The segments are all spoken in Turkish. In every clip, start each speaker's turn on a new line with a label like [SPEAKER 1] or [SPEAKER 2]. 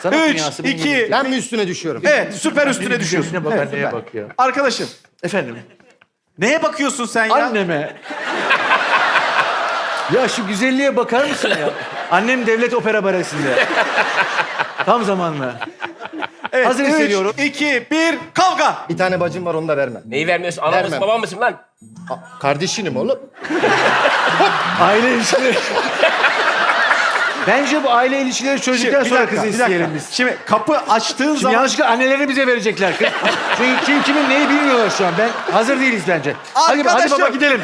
[SPEAKER 1] Sanat
[SPEAKER 2] 3,
[SPEAKER 1] dünyası benim
[SPEAKER 2] 2...
[SPEAKER 1] gibi.
[SPEAKER 3] Ben mi üstüne düşüyorum?
[SPEAKER 2] Evet, süper üstüne düşüyorsun.
[SPEAKER 1] Gözüne bak,
[SPEAKER 2] Evet,
[SPEAKER 1] anneye
[SPEAKER 2] süper.
[SPEAKER 1] bak ya.
[SPEAKER 2] Arkadaşım,
[SPEAKER 1] Efendim?
[SPEAKER 2] neye bakıyorsun sen ya?
[SPEAKER 1] Anneme. Ya şu güzelliğe bakar mısın ya? Annem devlet opera baresinde. Tam zamanlı.
[SPEAKER 2] Evet,
[SPEAKER 1] Hazır hissediyorum.
[SPEAKER 2] 3, 2, 1, kavga!
[SPEAKER 3] Bir tane bacım var, onu da vermem.
[SPEAKER 4] Neyi vermiyorsun? Anam mısın,
[SPEAKER 3] Vermem.
[SPEAKER 4] babam mısın lan?
[SPEAKER 3] Kardeşinim oğlum.
[SPEAKER 1] Aile ilişkileri. Bence bu aile ilişkileri çözdükten
[SPEAKER 2] Bir
[SPEAKER 1] sonra
[SPEAKER 2] dakika,
[SPEAKER 1] kızı
[SPEAKER 2] bir dakika.
[SPEAKER 1] isteyelim biz.
[SPEAKER 2] Şimdi kapı açtığın
[SPEAKER 1] Şimdi
[SPEAKER 2] zaman...
[SPEAKER 1] yanlışlıkla anneleri bize verecekler kız. Çünkü kim kimin neyi bilmiyorlar şu an. Hazır değiliz bence. Hadi
[SPEAKER 2] Arkadaşım.
[SPEAKER 1] baba gidelim.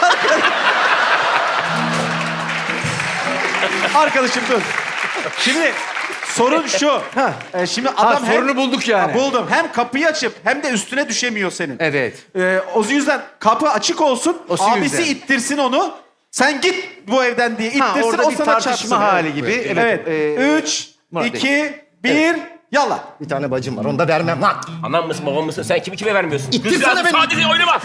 [SPEAKER 2] Arkadaşım dur. Şimdi sorun şu. Şimdi adam
[SPEAKER 1] sorunu bulduk yani.
[SPEAKER 2] Ha, buldum. Hem kapıyı açıp hem de üstüne düşemiyor senin.
[SPEAKER 1] Evet.
[SPEAKER 2] O yüzden kapı açık olsun.
[SPEAKER 1] O
[SPEAKER 2] Abisi
[SPEAKER 1] yüzden.
[SPEAKER 2] ittirsin onu. Sen git bu evden diye ittirsin.
[SPEAKER 1] Orada
[SPEAKER 2] o
[SPEAKER 1] bir
[SPEAKER 2] sana
[SPEAKER 1] tartışma
[SPEAKER 2] çarpsın.
[SPEAKER 1] hali gibi.
[SPEAKER 2] Evet.
[SPEAKER 1] Evet.
[SPEAKER 2] 3,
[SPEAKER 1] Murat
[SPEAKER 2] 2, 1, yallah.
[SPEAKER 3] Bir tane bacım var, onu da vermem lan.
[SPEAKER 4] Anam mısın, babam mısın? Sen kimi kime vermiyorsun?
[SPEAKER 3] İttirsene
[SPEAKER 4] Kızcağız,
[SPEAKER 3] beni.
[SPEAKER 4] sadece oynama.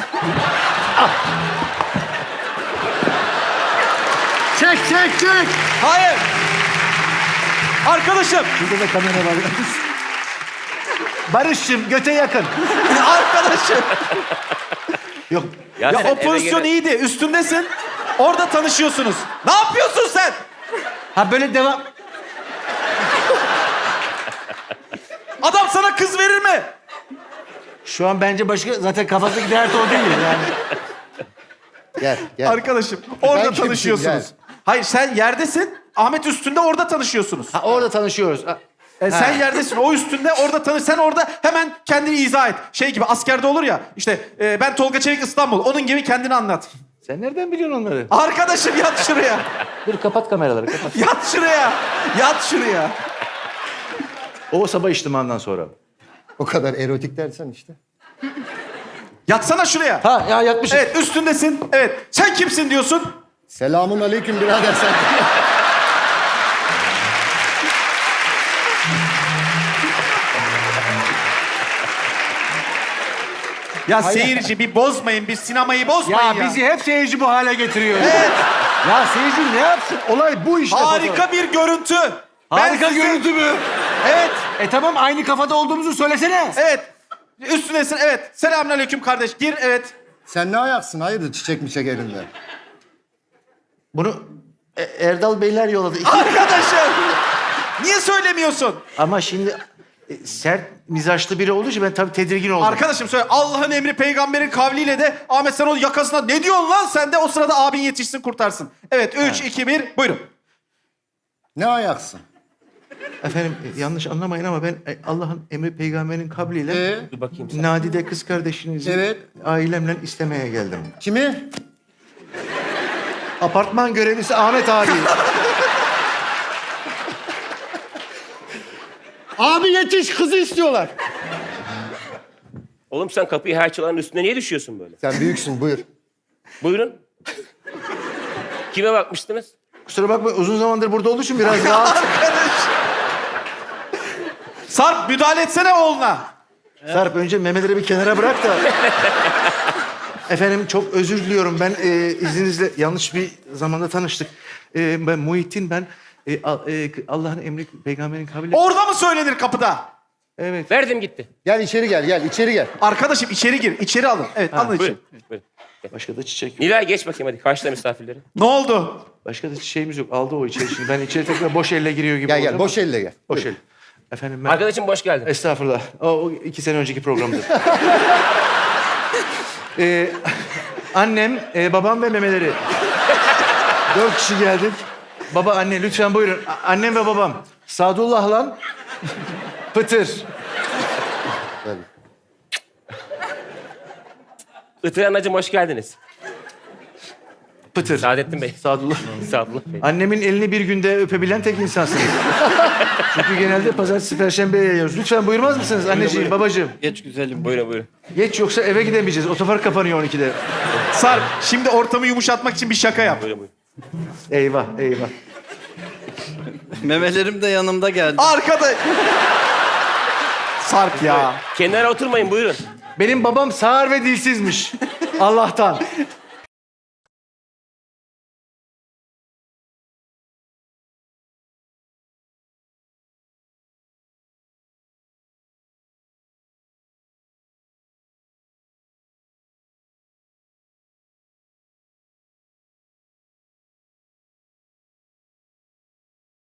[SPEAKER 3] Çek.
[SPEAKER 2] Hayır. Arkadaşım.
[SPEAKER 1] Burada da kamera var. Barış'cığım göte yakın.
[SPEAKER 2] Arkadaşım.
[SPEAKER 1] Yok.
[SPEAKER 2] Ya
[SPEAKER 4] sen
[SPEAKER 2] o
[SPEAKER 4] eve
[SPEAKER 2] pozisyon
[SPEAKER 4] gele-
[SPEAKER 2] iyiydi. Üstündesin. Orada tanışıyorsunuz. Ne yapıyorsun sen?
[SPEAKER 1] Ha böyle devam.
[SPEAKER 2] Adam sana kız verir mi?
[SPEAKER 1] Şu an bence başka zaten kafasındaki dert o değil yani.
[SPEAKER 3] Gel.
[SPEAKER 2] Arkadaşım orada
[SPEAKER 3] kimsin?
[SPEAKER 2] tanışıyorsunuz.
[SPEAKER 3] Gel.
[SPEAKER 2] Hayır sen yerdesin. Ahmet üstünde orada tanışıyorsunuz.
[SPEAKER 1] Ha orada tanışıyoruz.
[SPEAKER 2] Sen yerdesin. O üstünde orada tanış. Sen orada hemen kendini izah et. Şey gibi askerde olur ya. İşte ben Tolga Çevik İstanbul. Onun gibi kendini anlat.
[SPEAKER 1] Sen nereden biliyorsun onları?
[SPEAKER 2] Arkadaşım yat şuraya.
[SPEAKER 1] Dur kapat kameraları kapat.
[SPEAKER 2] Yat şuraya. Yat şuraya.
[SPEAKER 1] O sabah içtimandan sonra.
[SPEAKER 3] O kadar erotik dersen işte.
[SPEAKER 2] Yatsana şuraya.
[SPEAKER 1] Ha ya yatmışım.
[SPEAKER 2] Evet üstündesin. Evet. Sen kimsin diyorsun?
[SPEAKER 3] Selamun aleyküm birader sen.
[SPEAKER 2] Ya seyirci bir bozmayın. Bir sinemayı bozmayın ya.
[SPEAKER 1] Ya bizi hep seyirci bu hale getiriyor. Evet. Ya seyirci ne yapsın? Olay bu işte.
[SPEAKER 2] Harika bir görüntü.
[SPEAKER 1] Harika
[SPEAKER 2] Ben size-
[SPEAKER 1] görüntü mü?
[SPEAKER 2] Evet.
[SPEAKER 1] Tamam aynı kafada olduğumuzu söylesene.
[SPEAKER 2] Evet. Üstündesin. Evet. Selamünaleyküm kardeş. Gir. Evet.
[SPEAKER 3] Sen ne ayaksın? Hayırdır çiçek miçek elinde?
[SPEAKER 1] Bunu Erdal Beyler yolladı.
[SPEAKER 2] Arkadaşım. Niye söylemiyorsun?
[SPEAKER 1] Ama şimdi sert mizaçlı biri olduğu için ben tabii tedirgin oldum.
[SPEAKER 2] Arkadaşım söyle. Allah'ın emri peygamberin kavliyle de Ahmet sen o yakasına ne diyorsun lan sen de o sırada abin yetişsin kurtarsın. Evet 3, 2, 1 buyurun.
[SPEAKER 3] Ne ayaksın?
[SPEAKER 1] Efendim yanlış anlamayın ama ben Allah'ın emri peygamberin kabliyle
[SPEAKER 4] Dur bakayım.
[SPEAKER 1] Nadide kız kardeşinizi
[SPEAKER 3] Evet.
[SPEAKER 1] ailemle istemeye geldim.
[SPEAKER 3] Kimi?
[SPEAKER 1] Apartman görevlisi Ahmet abi.
[SPEAKER 3] Abi yetiş, kızı istiyorlar.
[SPEAKER 4] Oğlum sen kapıyı her çalanın üstüne niye düşüyorsun böyle?
[SPEAKER 3] Sen büyüksün, buyur.
[SPEAKER 4] Buyurun. Kime bakmıştınız?
[SPEAKER 1] Kusura bakma uzun zamandır burada olduğu için biraz rahat.
[SPEAKER 2] Sarp müdahale etsene oğluna.
[SPEAKER 1] Sarp önce memeleri bir kenara bırak da. Efendim çok özür diliyorum. Ben izninizle yanlış bir zamanda tanıştık. Ben Muhittin ben. Allah'ın emri peygamberin kabliyle.
[SPEAKER 2] Orada mı söylenir kapıda?
[SPEAKER 1] Evet.
[SPEAKER 4] Verdim gitti.
[SPEAKER 3] Gel içeri gel, içeri gel.
[SPEAKER 2] Arkadaşım içeri gir. İçeri alın. Evet alın içeri.
[SPEAKER 4] Buyurun. Buyurun.
[SPEAKER 1] Başka da çiçek yok.
[SPEAKER 4] Nilay geç bakayım hadi. Karşıla misafirleri.
[SPEAKER 2] Ne oldu?
[SPEAKER 1] Başka da çiçeğimiz yok. Aldı o içeri şimdi. Ben içeri tekrar boş elle giriyor gibi
[SPEAKER 3] Gel
[SPEAKER 1] olacağım
[SPEAKER 3] gel, boş elle gel.
[SPEAKER 1] Boş
[SPEAKER 3] Buyur.
[SPEAKER 1] el. Efendim ben...
[SPEAKER 4] Arkadaşım hoş geldin.
[SPEAKER 1] Estağfurullah. O 2 sene önceki programdı. Annem, babam ve memeleri. 4 kişi geldik. Baba, anne lütfen buyurun. Annem ve babam. Sadullah lan. Pıtır.
[SPEAKER 4] Itır anacığım hoş geldiniz.
[SPEAKER 1] Pıtır.
[SPEAKER 4] Saadettin Bey.
[SPEAKER 1] Sadullah.
[SPEAKER 4] Sadullah Bey.
[SPEAKER 1] Annemin elini bir günde öpebilen tek insansınız. Çünkü genelde pazartesi, perşembeye yayıyoruz. Lütfen buyurmaz mısınız anneciğim, babacığım?
[SPEAKER 5] Geç güzelim.
[SPEAKER 4] Buyurun buyurun.
[SPEAKER 1] Geç yoksa eve gidemeyeceğiz. Otopark kapanıyor 12'de.
[SPEAKER 2] Sarp şimdi ortamı yumuşatmak için bir şaka yap.
[SPEAKER 4] Buyurun buyurun.
[SPEAKER 1] Eyvah, eyvah.
[SPEAKER 5] Memelerim de yanımda geldi.
[SPEAKER 2] Arkada... Sarp ya.
[SPEAKER 4] Kenara oturmayın buyurun.
[SPEAKER 1] Benim babam sağır ve dilsizmiş. Allah'tan.